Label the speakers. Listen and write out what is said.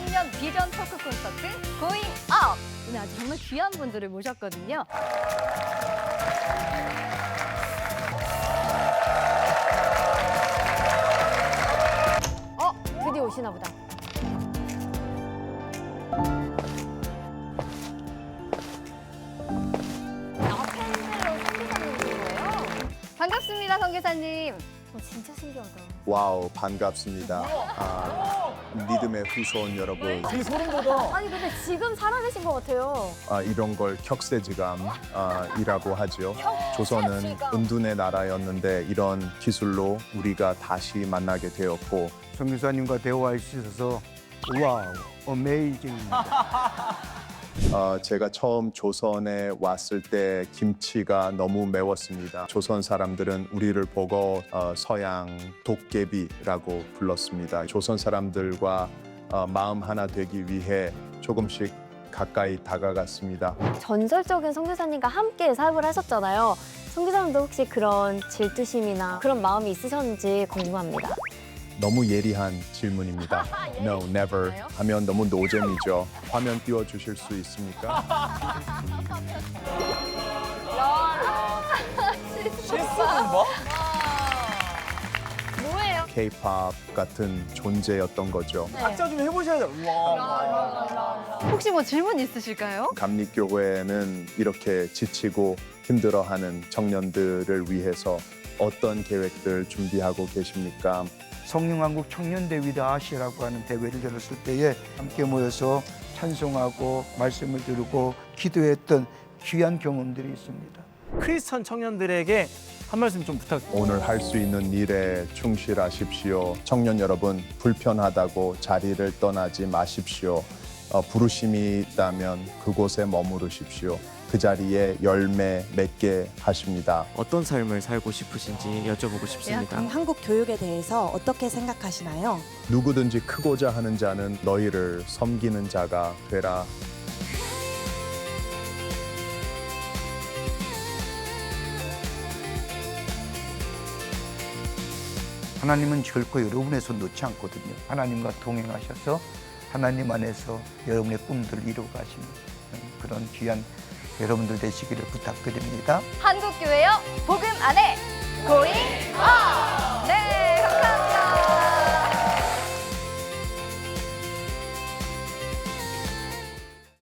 Speaker 1: 2023년 비전 토크 콘서트 고잉 업! 오늘 아주 정말 귀한 분들을 모셨거든요.
Speaker 2: 드디어 오시나 보다. 팬들로 선교사님인 거예요?
Speaker 1: 반갑습니다, 선교사님.
Speaker 2: 진짜 신기하다.
Speaker 3: 와우, 반갑습니다. 믿음의 후손 여러분.
Speaker 4: 되게 소름 돋아.
Speaker 2: 아니 근데 지금 살아계신 것 같아요.
Speaker 3: 이런 걸 격세지감이라고 하죠. 조선은 은둔의 나라였는데 이런 기술로 우리가 다시 만나게 되었고
Speaker 4: 선교사님과 대화할 수 있어서 와우, 어메이징입니다.
Speaker 3: 제가 처음 조선에 왔을 때 김치가 너무 매웠습니다. 조선 사람들은 우리를 보고 서양 도깨비라고 불렀습니다. 조선 사람들과 마음 하나 되기 위해 조금씩 가까이 다가갔습니다.
Speaker 2: 전설적인 선교사님과 함께 사역을 하셨잖아요. 선교사님도 혹시 그런 질투심이나 그런 마음이 있으셨는지 궁금합니다.
Speaker 3: 너무 예리한 질문입니다. No, never 하면 너무 노잼이죠. 화면 띄워주실 수 있습니까?
Speaker 2: 뭐예요?
Speaker 3: K-pop 같은 존재였던 거죠.
Speaker 4: 각자 좀 해보셔야 돼요.
Speaker 1: 혹시 뭐 질문 있으실까요?
Speaker 3: 감리교회는 이렇게 지치고 힘들어하는 청년들을 위해서 어떤 계획들 준비하고 계십니까?
Speaker 4: 성령왕국 청년대회대 아시아라고 하는 대회를 열었을 때에 함께 모여서 찬송하고 말씀을 들고 기도했던 귀한 경험들이 있습니다.
Speaker 5: 크리스천 청년들에게 한 말씀 좀 부탁드립니다.
Speaker 3: 오늘 할 수 있는 일에 충실하십시오. 청년 여러분, 불편하다고 자리를 떠나지 마십시오. 부르심이 있다면 그곳에 머무르십시오. 그 자리에 열매 맺게 하십니다.
Speaker 6: 어떤 삶을 살고 싶으신지 여쭤보고 싶습니다.
Speaker 7: 한국 교육에 대해서 어떻게 생각하시나요?
Speaker 3: 누구든지 크고자 하는 자는 너희를 섬기는 자가 되라.
Speaker 4: 하나님은 결코 여러분의 손 놓지 않거든요. 하나님과 동행하셔서 하나님 안에서 여러분의 꿈들을 이루어 가시는 그런 귀한 여러분들 되시기를 부탁드립니다.
Speaker 1: 한국교회요, 복음 안에 고잉 업! 네.